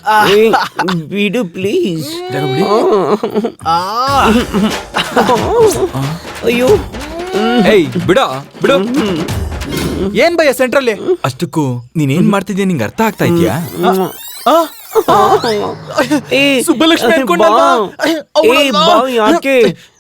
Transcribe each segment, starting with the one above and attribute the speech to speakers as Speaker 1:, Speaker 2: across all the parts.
Speaker 1: ಬಿಡು ಪ್ಲೀಸ್. ಅಯ್ಯೋ
Speaker 2: ಏಯ್ ಬಿಡೋ ಬಿಡು.
Speaker 3: ಏನ್ ಭಯ ಸೆಂಟ್ರಲ್ಲಿ?
Speaker 2: ಅಷ್ಟಕ್ಕೂ ನೀನೇನ್ ಮಾಡ್ತಿದ್ಯಾ ನಿಂಗೆ ಅರ್ಥ ಆಗ್ತಾ ಇದ್ಯಾ?
Speaker 3: ಸುಬ್ಬಲಕ್ಷ್ಮಿ ಅನ್ಕೊಂಡಲ್ವಾ?
Speaker 1: ಯಾಕೆ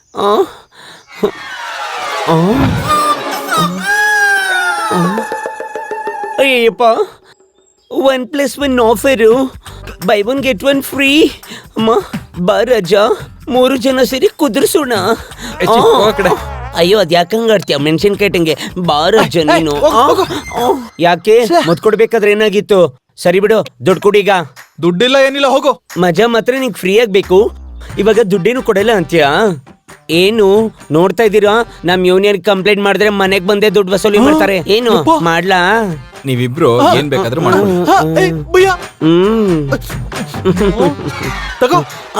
Speaker 1: Ayyappa, 1+1 offer, buy 1 get 1 free. ಅಮ್ಮ ಬಾ ರಜಾ, 3 ಜನ ಸೇರಿ ಕುದುರ್ಸೋಣ. ಅಯ್ಯೋ ಅದ್ ಯಾಕಂಗ ಆಡ್ತೀಯ ಮೆಣಸಿನ್ಕಾಯಿ ಟಂಗೆ? ಬಾ ರಜಾ ನೀನು. ಯಾಕೆ ಮತ್ ಕೊಡ್ಬೇಕಾದ್ರೆ ಏನಾಗಿತ್ತು? ಸರಿ ಬಿಡು, ದುಡ್ಡು ಕೊಡೀಗ.
Speaker 3: ದುಡ್ಡಿಲ್ಲ ಏನಿಲ್ಲ, ಹೋಗು.
Speaker 1: ಮಜಾ ಮಾತ್ರ ನಿಂಗೆ ಫ್ರೀ ಆಗ್ಬೇಕು, ಇವಾಗ ದುಡ್ಡೇನು ಕೊಡಲ್ಲ ಅಂತೀಯಾ? ಏನು ನೋಡ್ತಾ ಇದ್ದೀರಾ? ನಮ್ ಯೂನಿಯನ್ ಕಂಪ್ಲೇಂಟ್ ಮಾಡಿದ್ರೆ ಮನೆಗ್ ಬಂದೇ ದುಡ್ಡು ವಸೂಲಿ ಮಾಡ್ತಾರೆ. ಏನು ಮಾಡ್ಲಾ?
Speaker 2: ನೀವಿಬ್ರು ಏನ್ ಬೇಕಾದ್ರೂ ಮಾಡ್ಬೋದು.
Speaker 3: ತಗೋ.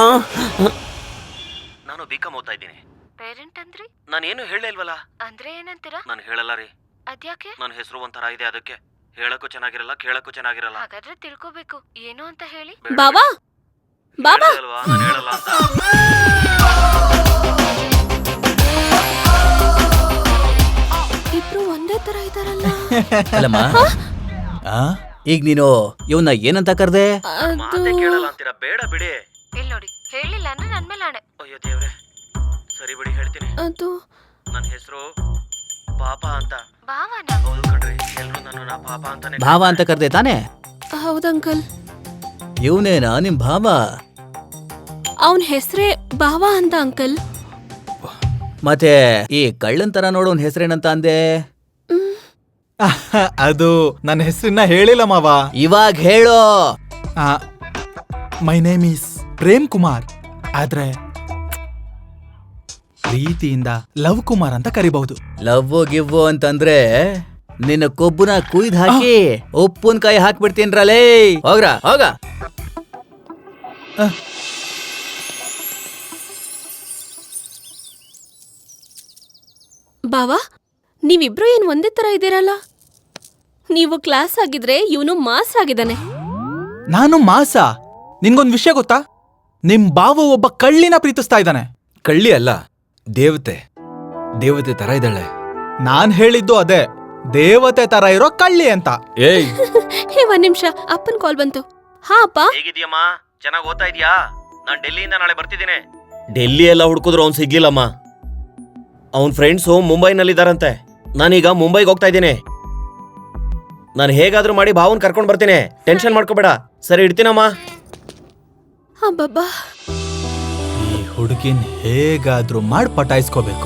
Speaker 4: ನಾನು ಬಿಕಾಂ ಓದ್ತಾ ಇದ್ದೀನಿ.
Speaker 5: ಪೇರೆಂಟ್ ಅಂದ್ರಿ?
Speaker 4: ನಾನೇನು ಹೇಳೇ ಇಲ್ವಲ್ಲ.
Speaker 5: ಅಂದ್ರೆ ಏನಂತೀರಾ?
Speaker 4: ನಾನು ಹೇಳಲ್ಲ ರೀ.
Speaker 5: ಅದ್ಯಾಕೆ?
Speaker 4: ನನ್ನ ಹೆಸರು ಒಂಥರ ಇದೆ, ಅದಕ್ಕೆ ಹೇಳಕ್ಕೂ ಚೆನ್ನಾಗಿರಲ್ಲ, ಕೇಳಕ್ಕೂ ಚೆನ್ನಾಗಿರಲ್ಲ.
Speaker 5: ಹಾಗಾದ್ರೆ ತಿಳ್ಕೋಬೇಕು, ಏನು ಅಂತ ಹೇಳಿ.
Speaker 6: ಬಾಬಾ ಬಾಬಾ
Speaker 4: ಅಲ್ವಾ ನಾನು ಹೇಳಲ್ಲ ಅಂತ.
Speaker 6: ಇಬ್ರು ಒಂದೇ ತರ ಇದಾರಲ್ಲ.
Speaker 7: ಅಲ್ಲಮ್ಮ, ಈಗ ನೀನು ಇವನ್ನ ಏನಂತ ಕರ್ದೆ?
Speaker 4: ಮಾತೆ ಕೇಳಲ್ಲ ಅಂತೀರಾ? ಬೇಡ ಬಿಡಿ.
Speaker 5: ಇಲ್ಲಿ ನೋಡಿ, ಹೇಳಿಲ್ಲ ಅಂದ್ರೆ ನನ್ ಮೇಲೆ ಆಣೆ.
Speaker 4: ಅಯ್ಯೋ ದೇವ್ರೆ, ಸರಿ ಬಿಡಿ ಹೇಳ್ತೀನಿ.
Speaker 6: ಅದು
Speaker 4: ನನ್ನ ಹೆಸರು ಪಾಪ ಅಂತ.
Speaker 5: ಭಾವನ?
Speaker 4: ಹೌದು ಕಣ್ರಿ, ಎಲ್ರು ನನ್ನ ಪಾಪ ಅಂತಾನೆ.
Speaker 7: ಭಾವ ಅಂತ ಕರ್ದೆ ತಾನೆ?
Speaker 6: ಹೌದು ಅಂಕಲ್.
Speaker 7: ಇವನೇನಾ ನಿಮ್ ಭಾವ?
Speaker 6: ಅವನ್ ಹೆಸ್ರೇ ಭಾವ ಅಂತ ಅಂಕಲ್.
Speaker 7: ಮತ್ತೆ ಈ ಕಳ್ಳನ್ ತರ ನೋಡೋನ್ ಹೆಸರೇನಂತ ಅಂದೆ?
Speaker 3: ಅದು ನನ್ನ ಹೆಸರನ್ನ ಹೇಳಿಲ್ಲ ಮಾವ.
Speaker 7: ಇವಾಗ ಹೇಳೋ.
Speaker 3: My name is Prem Kumar, ಆದ್ರೆ ಪ್ರೀತಿಯಿಂದ ಲವ್ ಕುಮಾರ್ ಅಂತ ಕರಿಬಹುದು.
Speaker 7: ಲವ್ ಗಿವ್ ಅಂತಂದ್ರೆ ನಿನ್ನ ಕೊಬ್ಬುನ ಕುಯ್ದು ಹಾಕಿ ಉಪ್ಪಿನಕಾಯಿ ಹಾಕ್ಬಿಡ್ತೀನ್ರಲೇ. ಹೋಗ್ರ ಹೋಗ.
Speaker 6: ಬಾವಾ, ನೀವಿಬ್ರು ಏನ್ ಒಂದೇ ತರ ಇದ್ದೀರಲ್ಲ? ನೀವು ಕ್ಲಾಸ್ ಆಗಿದ್ರೆ ಇವನು ಮಾಸ್ ಆಗಿದ್ದಾನೆ.
Speaker 3: ನಾನು ಮಾಸ? ನಿನ್ಗೊಂದ್ ವಿಷಯ ಗೊತ್ತಾ? ನಿಮ್ ಬಾವ ಒಬ್ಬ ಕಳ್ಳಿನ ಪ್ರೀತಿಸ್ತಾ ಇದ್ದಾನೆ.
Speaker 2: ಕಳ್ಳಿ ಅಲ್ಲ, ದೇವತೆ. ದೇವತೆ ತರ ಇದ್ದಾಳೆ.
Speaker 3: ನಾನ್ ಹೇಳಿದ್ದು ಅದೇ, ದೇವತೆ ತರ ಇರೋ ಕಳ್ಳಿ ಅಂತ.
Speaker 2: ಏಯ್
Speaker 6: ಹೇ, ಒಂದ್ ನಿಮಿಷ, ಅಪ್ಪನ್ ಕಾಲ್ ಬಂತು. ಹಾ ಅಪ್ಪ.
Speaker 4: ಹೇಗಿದ್ಯಮ್ಮ? ಚೆನ್ನಾಗಿ ಓದ್ತಾ ಇದೀಯಾ? ನಾನ್ ಡೆಲ್ಲಿಯಿಂದ ನಾಳೆ ಬರ್ತಿದ್ದೀನಿ.
Speaker 1: ಡೆಲ್ಲಿ ಎಲ್ಲ ಹುಡ್ಕುದ್ರು ಅವ್ನು ಸಿಗ್ಲಿಲ್ಲಮ್ಮ. ಅವನ್ ಫ್ರೆಂಡ್ಸು ಮುಂಬೈನಲ್ಲಿದ್ದಾರಂತೆ. ನಾನೀಗ ಮುಂಬೈಗೆ ಹೋಗ್ತಾ ಇದ್ದೀನಿ. ನಾನು ಹೇಗಾದ್ರೂ ಮಾಡಿ ಭಾವನ್ ಕರ್ಕೊಂಡ್ ಬರ್ತೀನಿ, ಟೆನ್ಷನ್ ಮಾಡ್ಕೋಬೇಡ. ಸರಿ, ಇಡ್ತೀನಮ್ಮ.
Speaker 6: ಅಬ್ಬಬ್ಬಾ,
Speaker 3: ಈ ಹುಡುಗಿನ್ ಹೇಗಾದ್ರೂ ಮಾಡಿ ಪಟಾಯಿಸ್ಕೋಬೇಕು.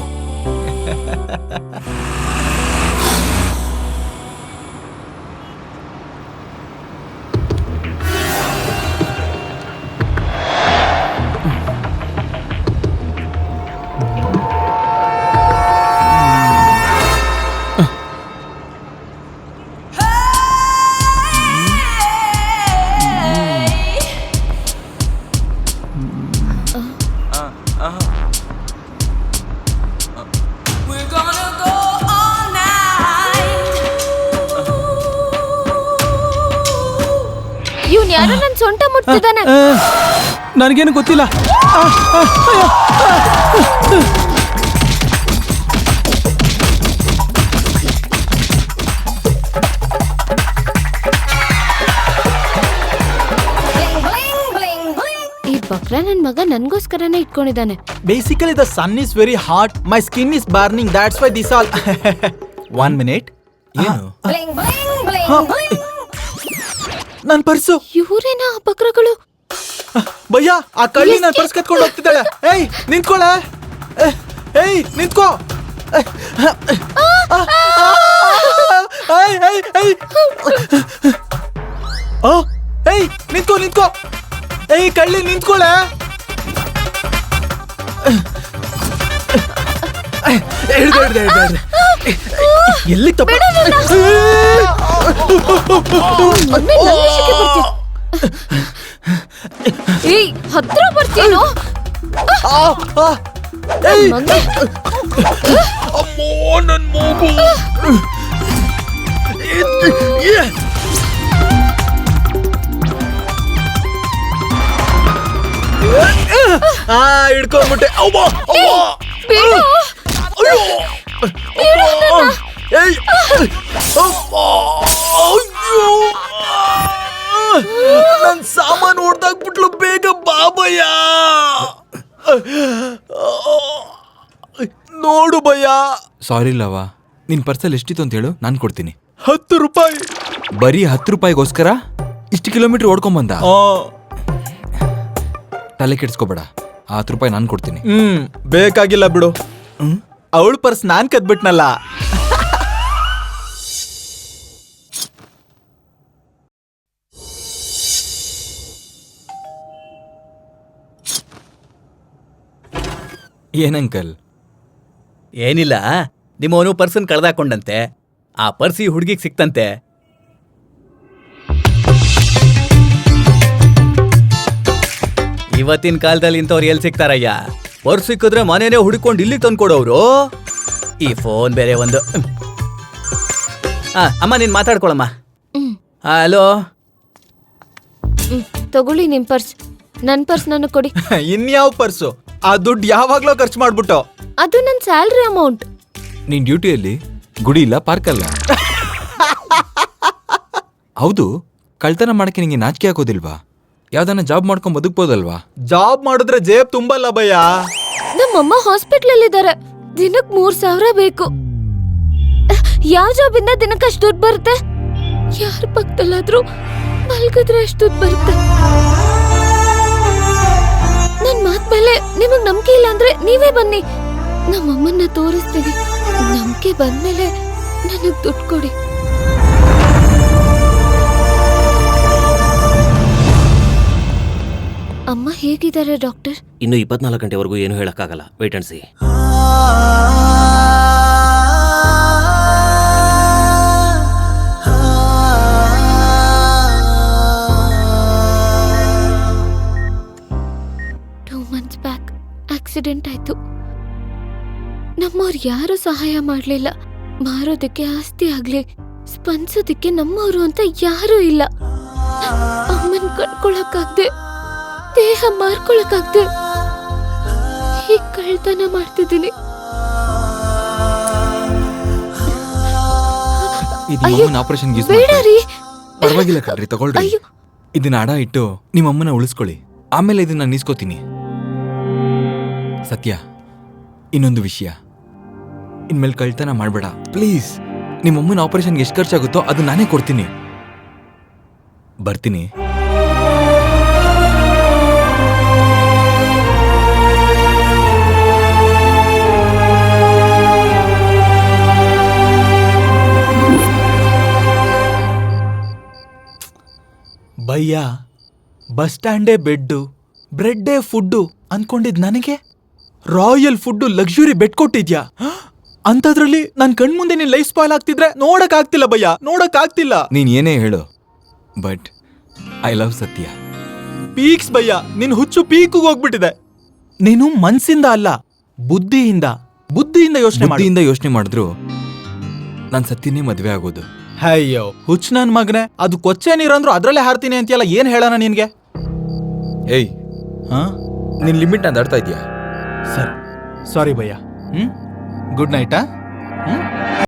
Speaker 6: ಇವ್ನ್ ಯಾರೋ ನನ್ ಸೊಂಟ ಮುಟ್ತಿದ್ದಾನೆ.
Speaker 3: ನನಗೇನು ಗೊತ್ತಿಲ್ಲ.
Speaker 6: ಈ ಬಕ್ರ ನನ್ ಮಗ ನನ್ಗೋಸ್ಕರನೇ ಇಟ್ಕೊಂಡಿದ್ದಾನೆ.
Speaker 3: Basically the sun is very hot, my skin is burning, that's why this all. 1 minute.
Speaker 2: ಏನು?
Speaker 3: ನನ್ ಪರ್ಸು.
Speaker 6: ಇವ್ರೇನಾ ಆ ಬಕ್ರಗಳು?
Speaker 3: ಭಯ್ಯ, ಆ ಕಳ್ಳಿ ನನ್ ಪರ್ಸ್ ಕತ್ಕೊಂಡು ಹೋಗ್ತಿದ್ದಾಳೆ. ಏಯ್ ನಿಂತ್ಕೊಳೆ. ಏಯ್ ನಿಂತ್ಕೋ. ಏಯ್ ನಿಂತ್ಕೋ ನಿಂತ್ಕೋ. ಏಯ್ ಕಳ್ಳಿ ನಿಂತ್ಕೊಳೆ. ಎಲ್ಲಿ ತಪ್ಪ?
Speaker 6: ಏಯ್, ಹತ್ರ ಬರ್ತೀನೋ?
Speaker 2: ಅಮ್ಮೋ ನನ್ ಮೂಗು.
Speaker 3: ಹಿಡ್ಕೊಂಡ್ಬಿಟ್ಟೆ. ಅವ್ವ, ಅವ್ವ.
Speaker 6: ಬಿಡು.
Speaker 3: ಅಯ್ಯೋ. ಏಯ್. ಅಮ್ಮ. ಅಯ್ಯೋ. ನನ್ ಸಾಮಾನು ಹೊಡ್ದಾಕ್ಬಿಟ್ಲು, ಬೇಗ ಬಾಬಯ್ಯ. ನೋಡು ಭಯ್ಯ.
Speaker 2: ಸಾರಿ ಲವ, ನಿನ್ ಪರ್ಸಲ್ಲಿ ಎಷ್ಟಿತ್ತು ಅಂತ ಹೇಳು, ನಾನು ಕೊಡ್ತೀನಿ.
Speaker 3: 10 ರೂಪಾಯಿ.
Speaker 2: ಬರೀ 10 ರೂಪಾಯಿಗೋಸ್ಕರ ಇಷ್ಟು ಕಿಲೋಮೀಟರ್ ಓಡ್ಕೊಂಬಂದ? ತಲೆ ಕೆಡ್ಸ್ಕೊಬೇಡ, ಆ 10 ರೂಪಾಯಿ ನಾನು ಕೊಡ್ತೀನಿ.
Speaker 3: ಬೇಕಾಗಿಲ್ಲ ಬಿಡು. ಅವಳ ಪರ್ಸ್ ನಾನ್ ಕದ್ಬಿಟ್ನಲ್ಲ.
Speaker 2: ಏನಂಕಲ್?
Speaker 7: ಏನಿಲ್ಲ, ನಿಮ್ಮವನು ಪರ್ಸನ್ ಕಳ್ದಾಕೊಂಡಂತೆ. ಆ ಪರ್ಸ್ ಈ ಹುಡುಗಿಗೆ ಸಿಕ್ತಂತೆ. ಇವತ್ತಿನ ಕಾಲದಲ್ಲಿ ಇಂಥವ್ರು ಎಲ್ಲಿ ಸಿಗ್ತಾರಯ್ಯ? ಪರ್ಸ್ ಸಿಕ್ಕಿದ್ರೆ ಮನೇನೆ ಹುಡುಕೊಂಡು ಇಲ್ಲಿಗೆ ತಂದ್ಕೊಡೋರು. ಈ ಫೋನ್ ಬೇರೆ ಒಂದು. ಅಮ್ಮ, ನೀನ್ ಮಾತಾಡ್ಕೊಳಮ್ಮ. ಹಲೋ.
Speaker 5: ತಗೊಳ್ಳಿ ನಿಮ್ ಪರ್ಸ್. ನನ್ ಪರ್ಸ್ ನನಗ್ ಕೊಡಿ.
Speaker 3: ಇನ್ಯಾವ ಪರ್ಸು? ಆ ದುಡ್ಡು ಯಾವಾಗ್ಲೋ ಖರ್ಚು ಮಾಡ್ಬಿಟ್ಟು.
Speaker 5: ಅದು ನನ್ ಸ್ಯಾಲ್ರಿ ಅಮೌಂಟ್.
Speaker 2: ನೀನ್ ಡ್ಯೂಟಿಯಲ್ಲಿ ಗುಡಿ ಇಲ್ಲ, ಪಾರ್ಕ್ ಅಲ್ಲ. ಹೌದು, ಕಳ್ತನ ಮಾಡಕ್ಕೆ ನಿಂಗೆ ನಾಚಿಕೆ ಆಗೋದಿಲ್ವಾ? ಯಾವ್ದಾನ ಜಾಬ್ ಮಾಡ್ಕೊಂಡ್ ಬದುಕ್ಬೋದಲ್ವಾ?
Speaker 3: ಜಾಬ್ ಮಾಡಿದ್ರೆ ಜೇಬ್ ತುಂಬಲ್ಲ ಭಯ್ಯ.
Speaker 5: ನಮ್ಮಮ್ಮ ಹಾಸ್ಪಿಟ್ಲಲ್ ಇದ್ದಾರೆ. ದಿನಕ್ 3,000 ಬೇಕು. ಯಾವ ಜಾಬ್ ಇಂದ ದಿನಕ್ಕೆ ಅಷ್ಟು ದುಡ್ಡು ಬರುತ್ತೆ? ಯಾರ ಪಕ್ಕದಲ್ಲಾದ್ರೂ ಮಲ್ಗಿದ್ರೆ ಅಷ್ಟು ದುಡ್ಡು ಬರುತ್ತೆ. ನನ್ ಮಾತ್ ಮೇಲೆ ನಿಮಗ್ ನಂಬಿಕೆ ಇಲ್ಲ ಅಂದ್ರೆ ನೀವೇ ಬನ್ನಿ, ನಮ್ಮಮ್ಮನ್ನ ತೋರಿಸ್ತೀನಿ. ನಂಬಿಕೆ ಬಂದ್ಮೇಲೆ ನನಗ್ ದುಡ್ಡು ಕೊಡಿ. ಅಮ್ಮ ಹೇಗಿದ್ದಾರೆ ಡಾಕ್ಟರ್?
Speaker 4: ಇನ್ನು 24 ಗಂಟೆವರೆಗೂ ಏನು ಹೇಳಕ್ಕಾಗಲ್ಲ. Wait and C.
Speaker 5: ಆಕ್ಸಿಡೆಂಟ್ ಆಯ್ತು. ನಮ್ಮವ್ರು ಯಾರು ಸಹಾಯ ಮಾಡ್ಲಿಲ್ಲ. ಮಾರೋದಕ್ಕೆ ಆಸ್ತಿ ಆಗ್ಲಿ, ಸ್ಪಂದಿಸೋದಕ್ಕೆ ನಮ್ಮವ್ರು ಅಂತ ಯಾರೂ ಇಲ್ಲ. ಅಮ್ಮನ್ ಕಳ್ಕೊಳಕ್ಕಾಗ್ದೆ, ದೇಹ ಮಾರ್ಕೊಳಕ್ಕಾಗ್ದೆ ಹೀಗ್ ಕಳ್ತನ ಮಾಡ್ತಿದ್ದೀನಿ.
Speaker 2: ಆಪರೇಷನ್
Speaker 5: ಬೇಡ ರೀ.
Speaker 2: ಪರವಾಗಿಲ್ಲ ಕಣ್ರಿ, ತಗೊಳ್ರಿ.
Speaker 5: ಅಯ್ಯೋ.
Speaker 2: ಇದನ್ನ ಅಡ ಇಟ್ಟು ನಿಮ್ಮಮ್ಮನ ಉಳಿಸ್ಕೊಳ್ಳಿ, ಆಮೇಲೆ ಇದನ್ನ ನಾನು ನೀಸ್ಕೋತೀನಿ. ಸತ್ಯ, ಇನ್ನೊಂದು ವಿಷಯ, ಇನ್ಮೇಲೆ ಕಳ್ತನ ಮಾಡಬೇಡ ಪ್ಲೀಸ್. ನಿಮ್ಮಮ್ಮನ ಆಪರೇಷನ್ಗೆ ಎಷ್ಟು ಖರ್ಚಾಗುತ್ತೋ ಅದು ನಾನೇ ಕೊಡ್ತೀನಿ. ಬರ್ತೀನಿ.
Speaker 3: ಭಯ್ಯ, ಬಸ್ ಸ್ಟ್ಯಾಂಡೇ ಬೆಡ್ಡು, ಬ್ರೆಡ್ಡೇ ಫುಡ್ಡು ಅನ್ಕೊಂಡಿದ್ ನನಗೆ ರಾಯಲ್ ಫುಡ್ಡು, ಲಕ್ಸುರಿ ಬೆಡ್ ಕೊಟ್ಟಿದ್ಯಾ? ಅಂತದ್ರಲ್ಲಿ ನನ್ ಕಣ್ಮುಂದೆ ನೀನ್ ಲೈಫ್ ಸ್ಪಾಯ್ಲ್ ಆಗ್ತಿದ್ರೆ ನೋಡಕ್ ಆಗ್ತಿಲ್ಲ ಭಯ್ಯ, ನೋಡಕ್ ಆಗ್ತಿಲ್ಲ.
Speaker 2: ನೀನ್ ಏನೇ ಹೇಳು, ಬಟ್ ಐ ಲವ್ ಸತ್ಯ.
Speaker 3: ಪೀಕ್ಸ್ ಭಯ್ಯ, ನಿನ್ ಹುಚ್ಚು ಪೀಕಿಗೆ ಹೋಗ್ಬಿಟ್ಟಿದೆ. ನೀನು ಮನ್ಸಿಂದ ಅಲ್ಲ, ಬುದ್ಧಿಯಿಂದ
Speaker 2: ಯೋಚನೆ ಮಾಡಿದ್ರು ನಾನ್ ಸತ್ಯನೇ ಮದ್ವೆ ಆಗೋದು.
Speaker 3: ಅಯ್ಯೋ ಹುಚ್ಚ ನನ್ ಮಗನೆ, ಅದು ಕೊಚ್ಚೆ ನೀರಂದ್ರು ಅದ್ರಲ್ಲೇ ಹಾರ್ತೀನಿ ಅಂತೀಯಲ್ಲ, ಏನ್ ಹೇಳೋಣ ನಿನ್ಗೆ?
Speaker 2: ಏಯ್, ನಿನ್ ಲಿಮಿಟ್ ನಾನು ದಾಟ್ತಾ ಇದೀಯಾ?
Speaker 3: ಸರ್, ಸಾರಿ ಭಯ್ಯ. ಗುಡ್ ನೈಟಾ.